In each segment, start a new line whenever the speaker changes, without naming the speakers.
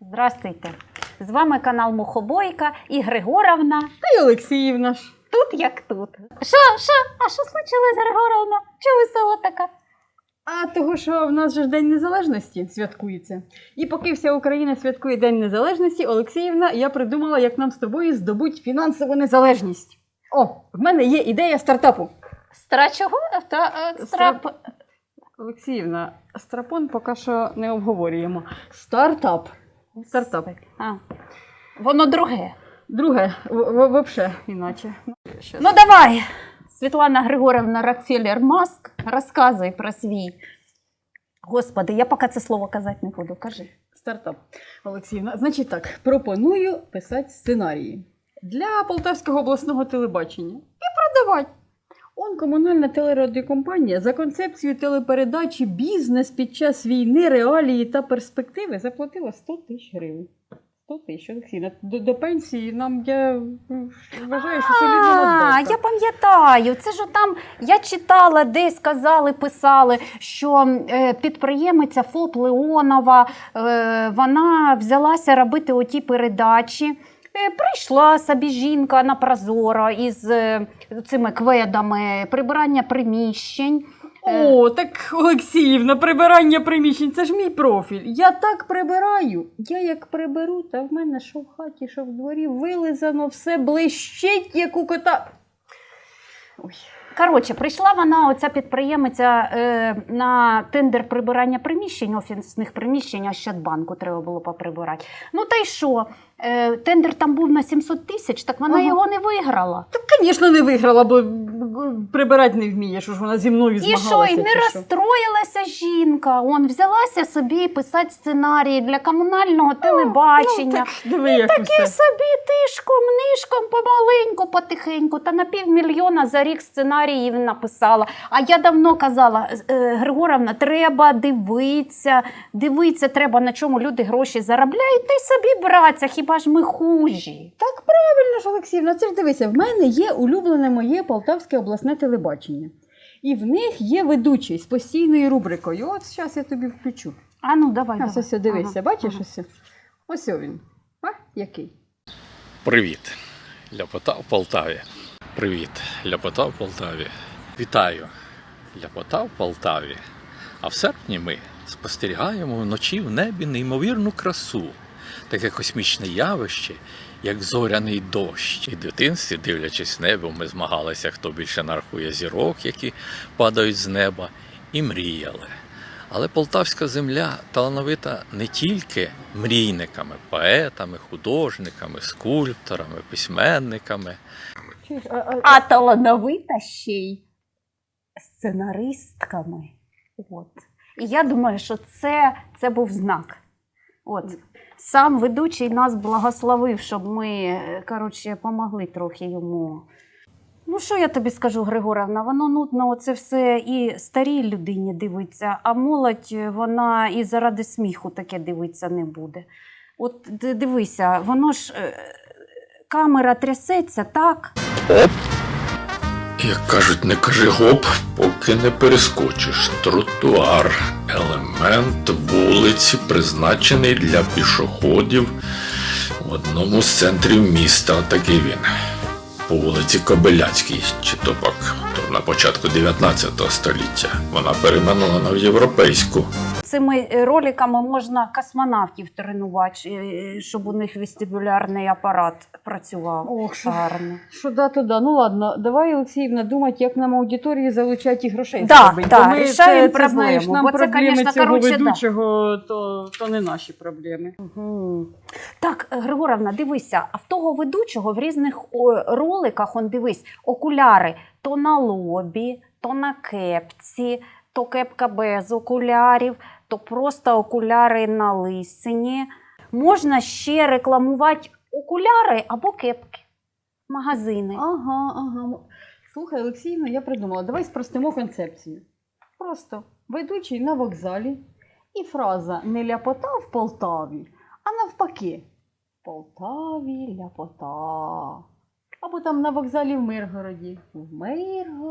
Здравствуйте! З вами канал Мухобойка і Григоровна.
Та й Олексіївна ж.
Тут як тут. Що? А що случилось, Григоровна? Чого весела така?
А того, що в нас же ж День Незалежності святкується. І поки вся Україна святкує День Незалежності, Олексіївна, я придумала, як нам з тобою здобути фінансову незалежність. О, в мене є ідея стартапу.
Чого?
Олексіївна, страпон поки що не обговорюємо. Стартап.
А. Воно друге.
Друге, взагалі іначе.
Ну давай, Світлана Григорівна Рокфеллер-Маск, розказуй про свій. Господи, я поки це слово казати не буду, кажи.
Стартап. Олексіївна, значить так, пропоную писати сценарії для Полтавського обласного телебачення і продавати. Он комунальна телерадіокомпанія за концепцією телепередачі «Бізнес під час війни, реалії та перспективи» заплатила 100 тисяч гривень. 100 тисяч, Олексійна. До пенсії нам, я вважаю, що солідна надбавка.
Я пам'ятаю, це ж там, я читала, десь казали, писали, що підприємиця ФОП Леонова, вона взялася робити оті передачі. Прийшла собі жінка на Прозоро із цими кведами, прибирання приміщень.
О, так, Олексіївна, прибирання приміщень, це ж мій профіль. Я так прибираю. Я як приберу, та в мене що в хаті, що в дворі, вилизано, все блищить, як у кота. Ой.
Коротше, прийшла вона, оця підприємиця, на тендер прибирання приміщень, офісних приміщень, Ощадбанку треба було поприбирати. Ну та й що? Тендер там був на 700 тисяч, так вона його не виграла.
Так, звісно, не виграла, бо прибирати не вміє, що ж вона зі мною змагалася.
І що, і не розстроїлася жінка, ввзялася собі писати сценарії для комунального телебачення.
І
таке собі тишком-нишком, помаленьку, потихеньку, та на 500 000 за рік сценаріїв написала. А я давно казала, Григоровна, треба дивитися треба, на чому люди гроші заробляють, та й собі братися, хіба ж ми хужі.
Так правильно ж, Олексіївна, це ж дивися, в мене є улюблене моє Полтавське обласне телебачення. І в них є ведучий з постійною рубрикою. От зараз я тобі включу.
А ну, давай.
Ось дивися, бачиш ось? Ось він. А, який?
Привіт, ляпота в Полтаві. Привіт, ляпота в Полтаві. Вітаю, ляпота в Полтаві. А в серпні ми спостерігаємо вночі в небі неймовірну красу. Таке космічне явище, як зоряний дощ. І в дитинстві, дивлячись в небо, ми змагалися, хто більше нарахує зірок, які падають з неба, і мріяли. Але полтавська земля талановита не тільки мрійниками, поетами, художниками, скульпторами, письменниками.
А талановита ще й сценаристками. От. І я думаю, що це був знак. От. Сам ведучий нас благословив, щоб ми, помогли трохи йому. Ну, що я тобі скажу, Григоровна, воно нудно, оце все і старій людині дивиться, а молодь, вона і заради сміху таке дивитися не буде. От дивися, воно ж, камера трясеться, так?
Як кажуть, не кажи гоп, поки не перескочиш. Тротуар – елемент вулиці, призначений для пішоходів в одному з центрів міста. Такий він. По вулиці Кобиляцькій, чи то пак то на початку 19 століття. Вона перейменована в європейську.
Цими роликами можна космонавтів тренувати, щоб у них вестибулярний апарат працював.
Ох,
гарно.
Що да, то да. Ну ладно, давай, Олексіївна, думати, як нам аудиторії залучати і грошей.
Так, рішаємо проблему.
Знаєш, нам
бо це,
проблеми
конечно,
цього
короче,
ведучого, то не наші проблеми.
Угу. Так, Григоровна, дивися, а в того ведучого в різних роликах, дивись, окуляри то на лобі, то на кепці, то кепка без окулярів, то просто окуляри на лисині. Можна ще рекламувати окуляри або кепки, магазини.
Ага. Слухай, Олексіївна, я придумала. Давай спростимо концепцію. Просто ведучий на вокзалі і фраза «не ляпота в Полтаві», а навпаки «Полтаві ляпота». Або там на вокзалі в Миргороді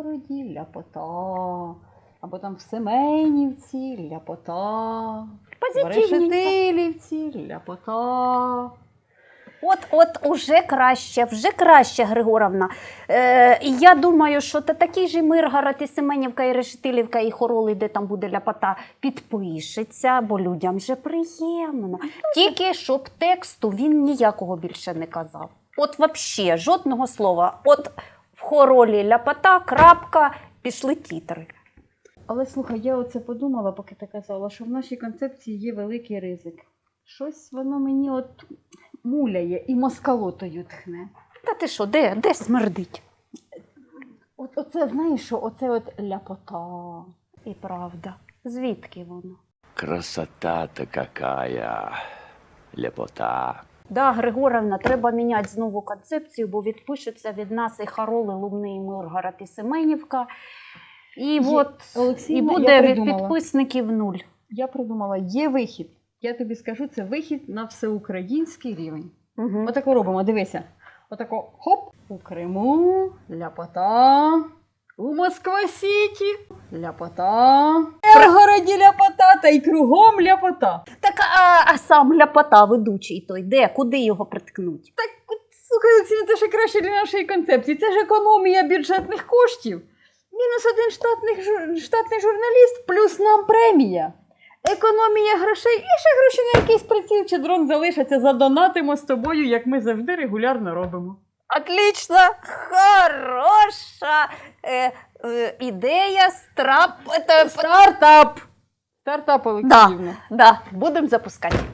ляпота. Або там в Семенівці ляпота.
Позитивненько.
Решетилівці, ляпота.
От вже краще, Григоровна. Я думаю, що такий же Миргород, і Семенівка, і Решетилівка, і Хороли, де там буде ляпота, підпишеться, бо людям же приємно. Тільки щоб тексту він ніякого більше не казав. От взагалі, жодного слова. От в Хоролі ляпота, крапка, пішли тітри.
Але слухай, я оце подумала, поки ти казала, що в нашій концепції є великий ризик. Щось воно мені от муляє і москалотою тхне.
Та ти що, де смердить?
Оце, знаєш, що оце от ляпота.
І правда. Звідки воно?
Красота-то какая, лепота.
Да, Григоровна, треба міняти знову концепцію, бо відпишуться від нас і Хароли, Лумни, і Миргород, і Семенівка. І
Олексіївна,
буде
я
від
придумала.
підписників 0.
Я придумала, є вихід. Я тобі скажу, це вихід на всеукраїнський рівень.
Угу.
Отако робимо, дивися. Отако, хоп, у Криму, ляпота, у Москва-Сіті, ляпота, в Миргороді ляпота, та й кругом ляпота.
Так, а сам ляпота, ведучий той, де? Куди його приткнуть?
Слухай, Олексій, це ще краще для нашої концепції. Це ж економія бюджетних коштів. Мінус один штатний журналіст, плюс нам премія. Економія грошей і ще гроші на якийсь приціл чи дрон залишаться. Задонатимо з тобою, як ми завжди регулярно робимо.
Отлично, хороша ідея,
Стартап! Стартап, Олексіївна.
Да, будемо запускати.